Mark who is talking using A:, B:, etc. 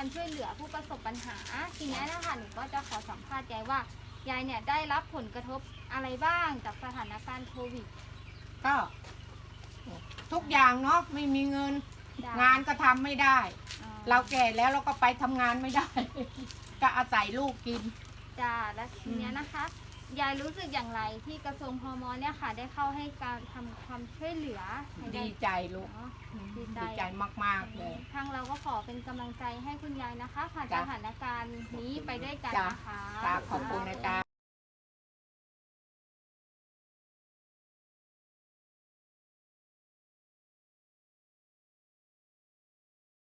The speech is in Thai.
A: การช่วยเหลือผู้ประสบปัญหาทีนี้นะคะหนูก็จะขอสัมภาษณ์ยายว่ายายเนี่ยได้รับผลกระทบอะไรบ้างจากสถานการณ์โควิด
B: ก็ทุกอย่างเนาะไม่มีเงินงานก็ทำไม่ได้เราแก่แล้วเราก็ไปทำงานไม่ได้ ก็อาศัยลูกกิน
A: จ้าและทีนี้นะคะยายรู้สึกอย่างไรที่กระทรวงพมเนี่ยค่ะได้เข้าให้การทำความช่วยเหลือ
B: ดีใจลูกดีใจมากๆเลย
A: ทางเราก็ขอเป็นกำลังใจให้คุณยายนะคะผ่านสถานการณ์นี้ไปด้วยกันนะคะ
B: ขอบคุณนะจ๊ะ